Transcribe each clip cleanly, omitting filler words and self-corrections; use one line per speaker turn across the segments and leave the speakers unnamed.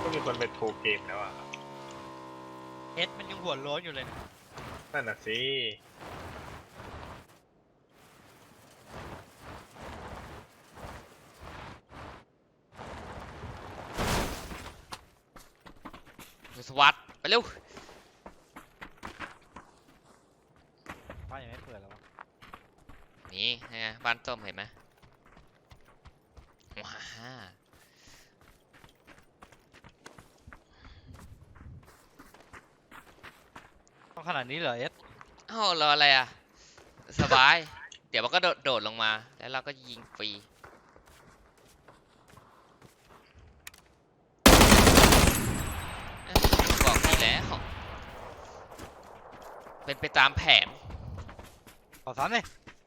ก็มีคนไปโทรเกมแล้วอ่ะ
เอสมันยังหัวโล้นอยู่เลยนะ
นั่นน่ะสิ
สวัสดไปเร็ว
บ้านยังไม่เปิดแล้ววะ
นี่ไงบ้านส้มเห็นไหมว้า
ต้องขนาดนี้เหรอเอส
เอ้ารออะไรอ่ะสบาย เดี๋ยวมันก็โดดลงมาแล้วเราก็ยิงฟรีบอกนี่แล้วเป็นไปตามแผน
ขอซ้ำเลย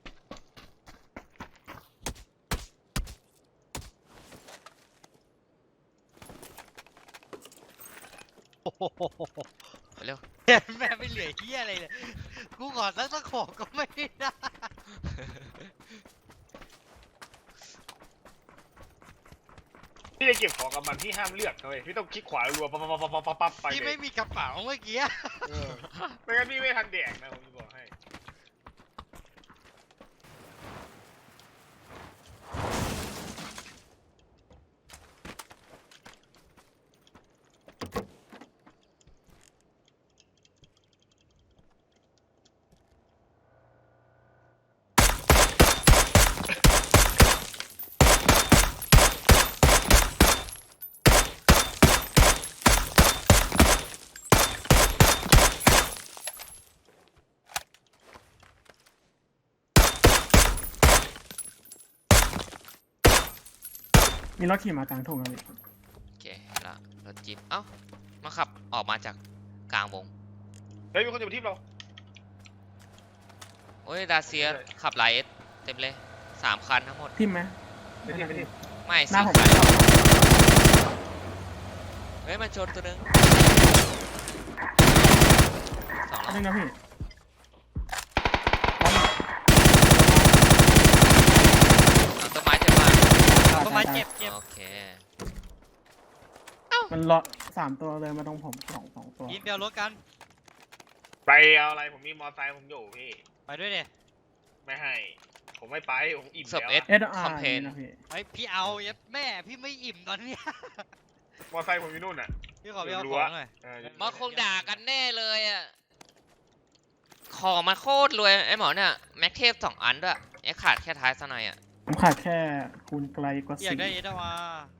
โอ้โห
ไปเร็ว
แม่ไม่เหลือเฮียอะไรเลยกูขอสักตะขอก็ไม่ได้
พี่จะเก็บของกับมันพี่ห้ามเลือกเลยพี่ต้องคลิกขวารัวปั๊บปั๊บปั๊บปั๊บปั๊บไป
ที่
เล
ไม่
ย
มีกระเป๋าเมื่อกี้
ไม่งั้นพี่ไม่ทันแดกนะผมจะบอกให้
มีรถขี่มากลางทุ่งครับพี่
โอเคแล้วรถจิ๊บเอ้ามาขับออกมาจากกลางวง
เฮ้ยมีคนอยู่ที่เรา
โอ้ยดาเซียขับไลเอสเต็มเลย3 คันทั้งหมด
ทิมไหม
ไม่ที่ไม่ที่
ไม่
หน้า
4
ผม
คันเฮ้ยมันชนตัวนึงสอง
อันนึ
แล้ว
งนะพี่
เอาต้นไม้จะมา
ต้นไม้เจ็บเจ็บ
โอเค
มันเลาะ3 ตัวเลยมาตรงผมสองตัว
ยินเปียวรถกัน
ไปเอาอะไรผมมีมอไซค์ผมอยู่พี่
ไปด้วยเด็
ไม่ให้ ผมไม่ไปผมอิ่ม
ศพ
แล้ว
เอส
อะ
SR
คอมเพน
นะพี่
ไอพี่เอาเย็บแม่พี่ไม่อิ่มตอนเนี้ย
มอไซค์ผมอยู่นู่นอ่ะ
พี่ขอไปเอาของหน่อย
เออ
มาคงด่ากันแน่เลยอ่ะของมาโคตรรวยไอ้หมอเนี่ยแม็กเทพ2 อันด้วยไอ้ขาดแค่ท้ายซะหน่อยอ่ะ
ผมขาดแค่คูณไกลกว่า
อยากได้เอสมา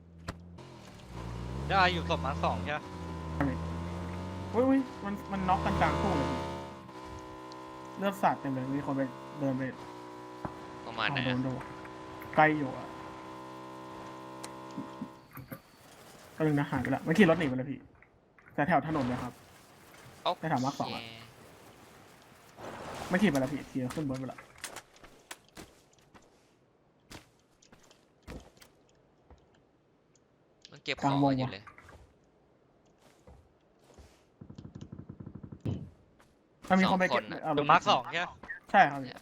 ได้อยู่ศพมา2ใช่ไหม
อุ้ยมันน็อกกันกลางทุ่งเลยพี่เลือดสาดเต็มเลยมีคนไปเดินไป
ประมาณไหน
โด
อะ
นไกลอยู่อ่ะก็นึงนะหายไปละมันขี่รถหนีไปเลยพี่แต่แถวถนนเลยครับ
โอ
ไปถามว่าสอง
เค
อะ ไม่ขี่ไปแล้วพี่ขี่ขึ้นบนไปละ
มันเก็บของไว้อยู่เลย
ถ้ามีคนไปเก็บ
2 คนอะ
เอา
อยู่มาร์ค2ใช่ไหม
ใช่ครับพี่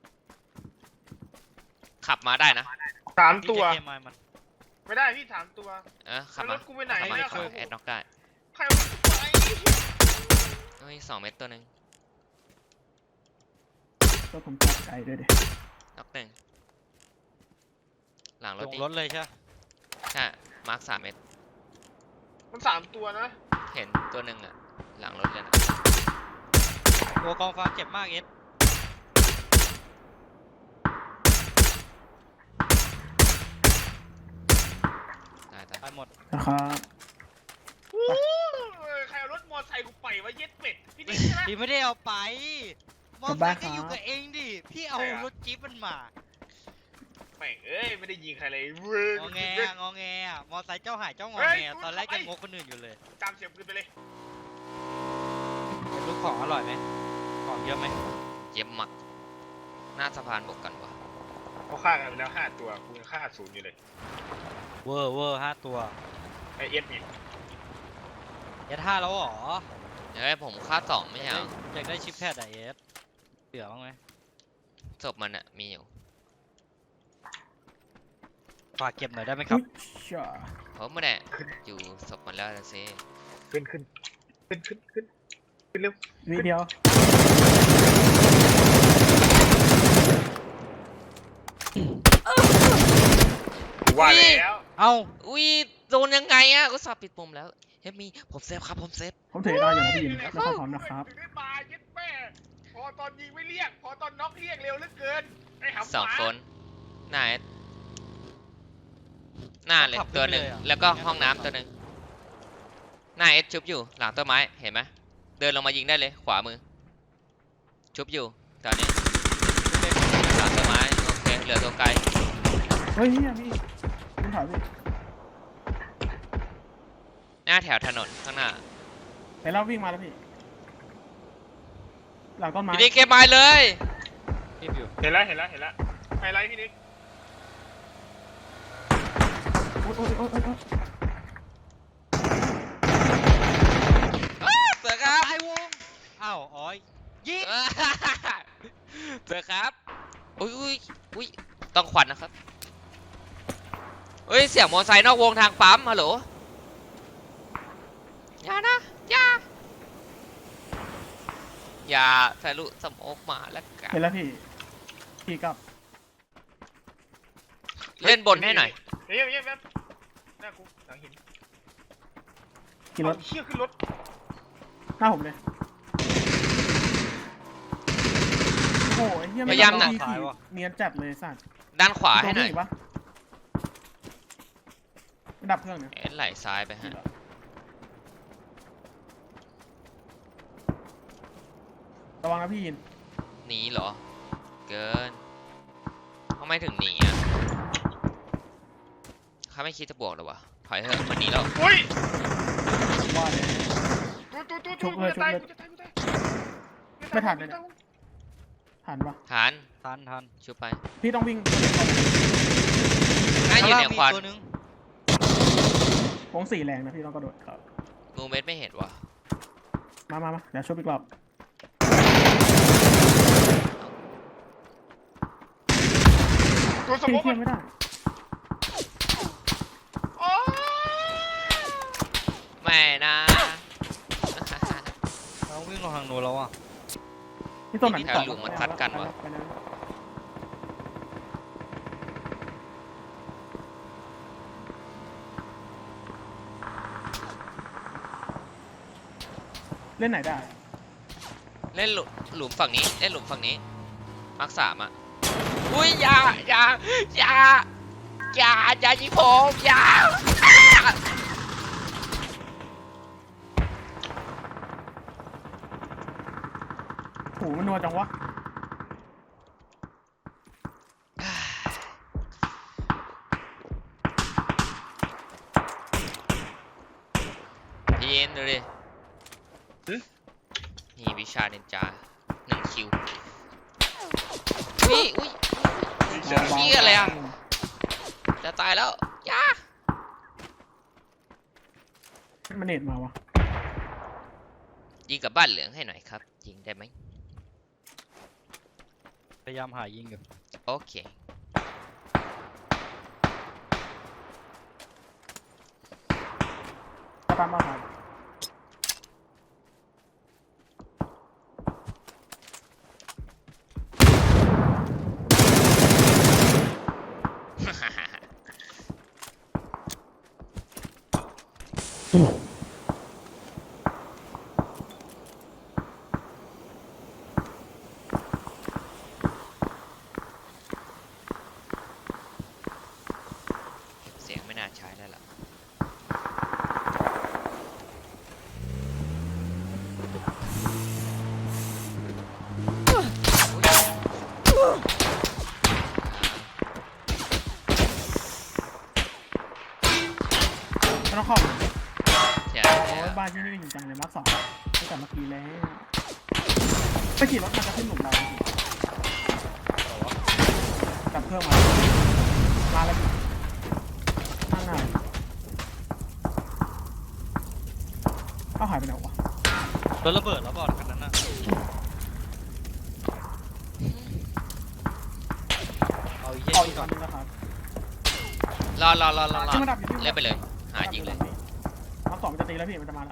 ขับมาได้นะ
3 ตัว
พี่จะเกมมัน
ไม่ได้พี่3 ตัว
ขับ
แล้ว
มาร
ถกูไปไหน
ขับมา
เนี่ย
ช่วยแอดน็อกได้
ใครเอาไป
เฮ้ย2 เม็ดตัวหนึ่ง
ก็ผมตัดไกลด้วยดิ
น็อก1หลังร
ล
ถ
ง
ดิ
รถเลยใช่ไหม
ใช่มาร์ค3 เม็ด
มัน3 ตัวนะ
เห็นตัวหนึ่งอ่ะหลังรถเลยนะ
ตัวกองฟ้าเจ็บมากเอส
ตาย
ตายหมด
นะครับ
ใครเอารถมอไซค์กูไปวะเย็ดเป็ดพี่ดิ๊กใช่ไหม
พี่ไม่ได้เอาไปมอเตอร์ไซค์ก็อยู่กับเองดิพี่เอา
ใช่อะ
รถจี๊ปมันมา
แม่งเอ้ยไม่ได้ยิงใครเลยเว้ย
งอแงอะงอแงอะมอไซค์เจ้าหายเจ้างอ
เฮ้ย
แงตอนแรกยังงกคนอื่นอยู่เลย
จำเสียบปืนไปเลย
ลูกของอร่อยไหมของเยอะไหม
เจ็บหมักหน้าสะพานบกกันวะ
เขาฆ่ากันไปแล้ว5 ตัวกูยังฆ่า0อยู่เลย
เวอร์5 ตัว
ไอเอสนี่
เอส5แล้วเหรอ
เฮ้ยผมค่า2ไม่ใช่เหรอ
อยากได้ชิปแพดอะเอสเหลือบ้างไหม
ศพมันอ่ะมีอยู่
ฝากเก็บหน่อยได้ไหมครับ
อุ๊ยช่า
ผมไม่ได้อยู่ศพหมดแล้วนะสิ
ขึ้นเร็ว
วิเดียว
ว่าแล้ว
เอ้า
อุ้ยโดนยังไงอะก็สอบปิดปุ่มแล้วเฮ้ยมีผมเซฟครับผมเซฟ
ผมถือได้อยู่นะพี่ยินแล้วก็พร้อมนะครับ
ถึงได้มาเย็ดแม่พอตอนยิงไม่เรียก พอตอนน็อกเรียกเร็วเหลือเกินไอ้หำ
สอง
หมา
คนหน้าหน้าเลยตัวหนึ่งแล้วก็ห้องน้ำตัวหนึ่งหน้าเอสชุบอยู่หลังต้นไม้เห็นไหมเดินลงมายิงได้เลยขวามือชุบอยู่ตอนนี้หลังต้นไม้โอเคเหลือตัวไกล
เฮ้ยเนี่ยพี่คุณถอยพี่
หน้าแถวถนนข้างหน้า
เห็นเราวิ่งมาแล้วพี่ หลังต้นไม้
พี่นิกเก็บไม้เลย
เก็บอยู่
เห็นแล้วไฮไลท์พี่นิก
โอ๊ยโอ๊ยโอ๊ยโอ๊ยโอ๊ย
เสือครับ
ตายวงอ้าวอ๋อยยิง
เสือครับอุ้ยอุ้ยอุ้ยต้องขวัญนะครับเฮ้ยเสียงมอเตอร์ไซค์นอกวงทางปั๊มฮัลโหลอย่านะอย่าทะลุสมอกมาแล้วกัน
เห็นแล้วพี่พี่กลับ
เล่นบนให้หน่อย
เฮ้ยแป๊บหน้ากูหลังหิน
ขี่รถ
เอาเชี่ยขึ้นรถ
หน้าผมเลยโอ้โหไอ้เหี้ย
พยายาม
ไต้
นะ
องขี่เนียนจัดเลยสัตว์
ด้านขวาให้หน่อย
ตรงปะไม่ดับเครื่องเนี่ย
เอ็นไหลซ้ายไปฮะ
ระวังนะพี่ยิน
หนีเหรอเกินทำไมถึงหนีอ่ะเขาไม่คิดจะบวกหรอวะถอยเถอะมันหนีแล้ว
อุ้ย
ว่าเลย
ตู้กูจะตายกูจะตาย
ไม่ทันเลยเนี่ย หันปะ
ฐาน
ทัน
ชุบไป
พี่ต้องวิ่ง
น่าอยู่ในควัน
ตัวนึง
วงสี่แรงนะพี่ต้องกระโดดครับ
มูเมนต์ไม่เห็นวะ
มาเดี๋ยวช่วยอีกรอบ
ตัวสม
พี่
มติ
เทียบไม่ได้
โอ้
ไม่นะ
เราวิ่งลงทางโน้นแล้วอ่ะ
พี่ต้นไหน
แถวหลุมมันทัดกันวะ
ไปเลยเล่นไหนได้
เล่นหลุมฝั่งนี้เล่นหลุมฝั่งนี้มาร์ค3อ่ะอุ้ยอย่ายิงผมอย่า
โหมันนัวจังวะ
พีเอ็นดูดินี่วิชาเนนจา1 คิวอุ้ย เหี้ยอะไรอะ จะตายแล้วอย่า
มันเน็ตมาวะ
ยิงกับบ้านเหลืองให้หน่อยครับยิงได้ไหม
พยายามหายิงอยู่
โอเค
ตะปานมาครับ
เสียงไม่น่าใช้แล้วล่ะ
ไม่ต้องเข้า
เสียง
โอ้ยบ้านที่นี่จริงจังเลยมาร์ค2ตั้งแต่เมื่อกี้แล้วไปขี่รถมันจะขึ้นหลุมเราดับเครื่องมาแล้วนั่งหน้าเอาหายไปไหนวะ
รถระเบิดแล้วบอดคันนั้นน่ะเอาอีก
เอา
เหี้
อี
ย
ก
ก่
อั
อน
นนึงนะครับ
รอ
ที่มันดับอยู่ที่
เล่นไปเลย หายิงเลย
เอาสองมันจะตีแล้วพี่มันจะมาละ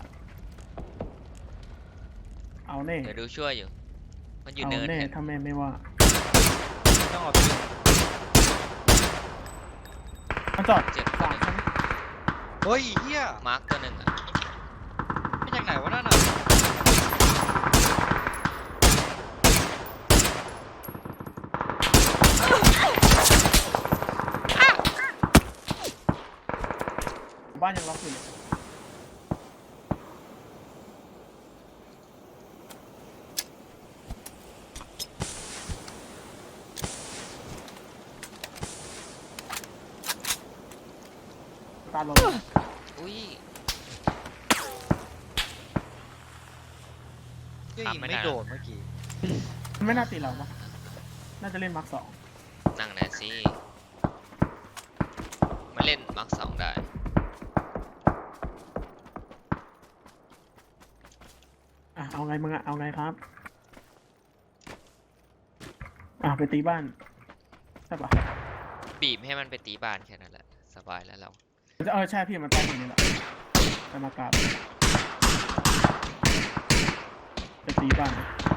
เอาแน่
เดี๋ยวดูช่วยอยู่ มันอยู่
เอา
เนิน
แน่
กัน
ถ้าแม่ไม่ว่า
ไม่ต้องเอาตัว
มันจอด
เจ็บ
สามชั้น
เฮ้ยเฮีย
มาร์กตัวหนึ่งอ่ะ
ไม่จากไหนวะนั่นน่ะ
บ้านยังล็อกอยู่เลยตาลง
อุ้ย
เฮียยิง
ทำไม่
ไม่
ได้
โดนเมื่อกี้
มันไม่น่าตีเราปะน่าจะเล่นมาร์คสอง
นั่งแน่สิมาเล่นมาร์ก2ได้
อ่ะเอาไงมึงอะเอาไงครับอ่ะไปตีบ้านใช่ปะ
บีบให้มันไปตีบ้านแค่นั้นแหละ สบายแล้วเรา
ใช่พี่มันไปอย่างนี้แหละไปมากราบไปตีบ้าน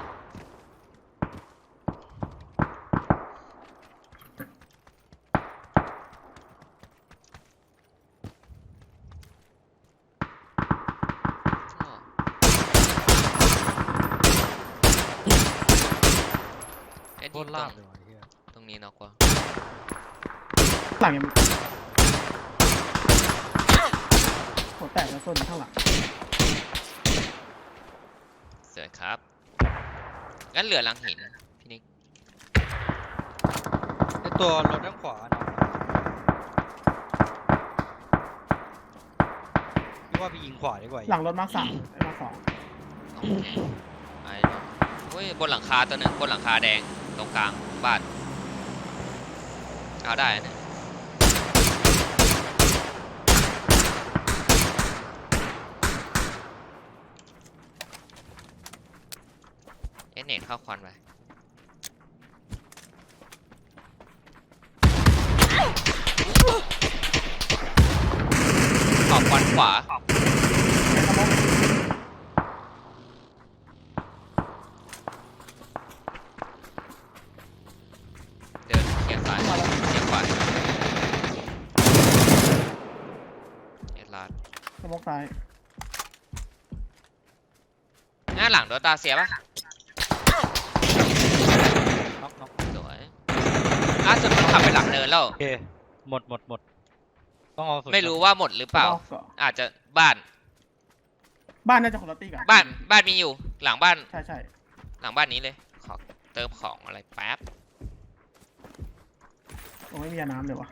เอ็ด
โค
ยิ
ต
ง
ร
ตร
ลาบ
ง
เลยวะเฮีย
ตรงนี้นอกกว่า
หลังยังหัวแตกแล้วส้นข้างหลัง
สวยครับ งั้นเหลือหลังหินพี่นิก
ไอตัวรถด้านขวาเนาะพี่ว่าไปยิงขวาดีกว่า
หลังรถมาร์คสามไอ้มาร์คสอง
โอเคไปเนอะเฮ้ยบนหลังคาตัวหนึ่งบนหลังคาแดงตรงกลางบ้านเอาได้นะเอ็นเน็ตเข้าควันไปขอบควันขวา เดินเขียนซ้ายเขียนขวาเอ็ดลาด
สมองซ้าย
หน้าหลังโดนตาเสียปะ
น็อกน็อก
สวยล่าสุดมันขับไปหลังเนินแล้ว
โอเคหมดต้องเอาสุด
ไม่รู้ว่าหมดหรือเปล่า
สมองก่อน
อาจจะบ้าน
บ้านน่าจะคนละตีกัน
บ้านมีอยู่ หลังบ้าน
ใช่ใช่
หลังบ้านนี้เลย ขอเติมของอะไรแป๊บ
โอ้ไม่มียาน้ำเลยวะ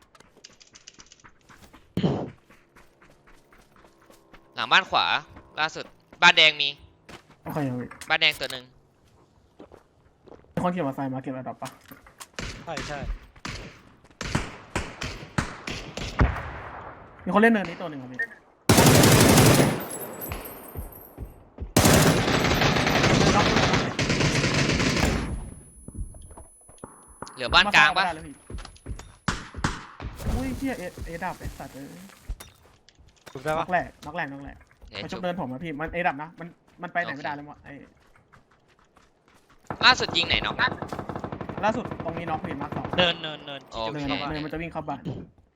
หลังบ้านขวา ล่าสุด บ้านแดงมี
โอเคเอาไป
บ้านแดงตัวหนึ่ง
มีคนขี่มอเตอร์ไซค์มาเก็บระดับปะ
ใช่
มีคนเล่นเนินนี้ตัวหนึ่งครับพี่
เหลือบ้านกลางปะ
มซ้ยเอได้เลยพี่อุ้ยเชี่ยเอดับไอสัตว์เอ้ย
ถูกได้
น็
ปะ
อกแรกน็อกแรก
เดี๋ยว
มันช
จุ
ก
บ
เดินผมอะพี่มันเอดับนะมันไปไหนไม่ได้เลยมั้งไอ
ล่าสุดยิงไหนน้อง
ล่าสุดตรงนี้น็อกพี่มาร์คสอง
เนิน
โอ
เนิ
เค
นเนินมันจะวิ่งเข้าบ้าน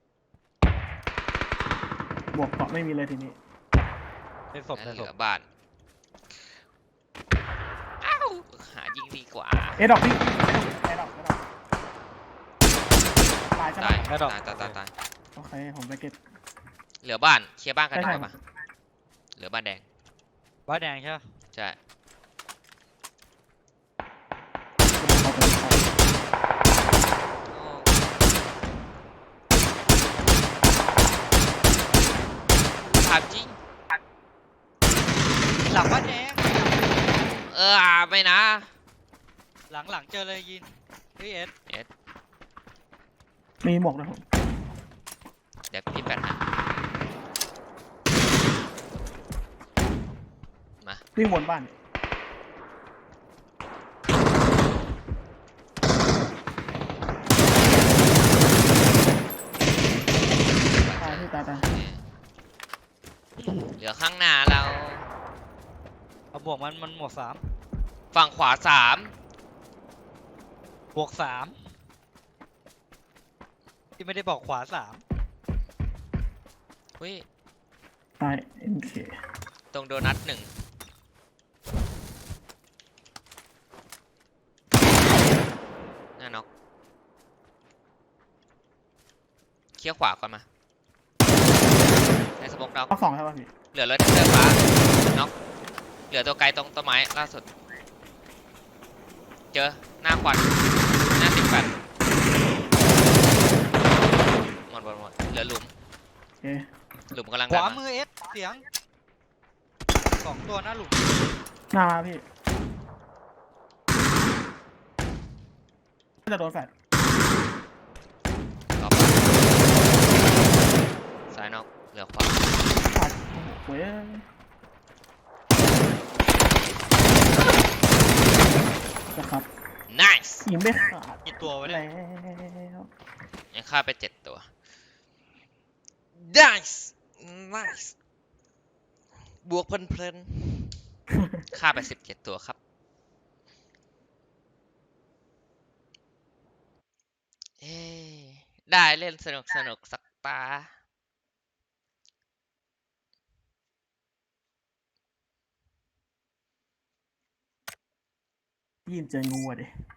บวกเกาะไม่มีเลยทีนี้
ในศพ
งั้
ใน
นเห
ศ
ลื
พ
อบ้าน อ้าว หายิงดีกว่า
เอดับพี่เอดับตายใช่ไหม
ตาย
ไม่ดอก
ตาย
โอเคผมไปเก็บ
เหลือบ้าน เคลียร์บ้านกัน
ใช่
ได้
ใช่
ปะเหลือบ้านแดง
บ้านแดงใช่ปะ
ใช่ ถามจริง
หลังบ้านแดง
ไม่นะ
หลังเจอเลยยินพี่เอส
มีหมวกนะผม
เดี๋ยวพี่แปดให้มา
วิ่งวนบ้าน
เหลือข้างหน้าเรา
เอาบวกมันหมวกสาม
ฝั่งขวาสาม
บวกสามที่ไม่ได้บอกขวาสาม
เฮ้ย
ตาย MK
ตรงโดนัทหนึ่งหน้าน็อกเคี้ยวขวาก่อนมาในสมองดาว
เอาสองใช่ป่ะพี่
เหลือรถเสื้อฟ้าน็อกเหลือตัวไกลตรงต้นไม้ล่าสุด เจอหน้าควันหน้า18หมดเหลือหลุม
โอเค
หลุมกำลัง
ขวา
ดัน
มือเอสเสียงสองตัวหน้าหลุม
หน้ามาพี่น่าจะโดนแฟด
ต่อไปซ้ายนอกเหลือขวา
ขาดโอ้ยนะครับ
nice
ยิงไม่ขาด
กี่ตัววะ
แล้
เนี่ยว
ยังฆ่าไป7 ตัว nice nice บวกเพลินๆฆ่าไป17 ตัวครับเอ้ได้เล่นสนุกสักตา
ยินเจองูอ่ะดิ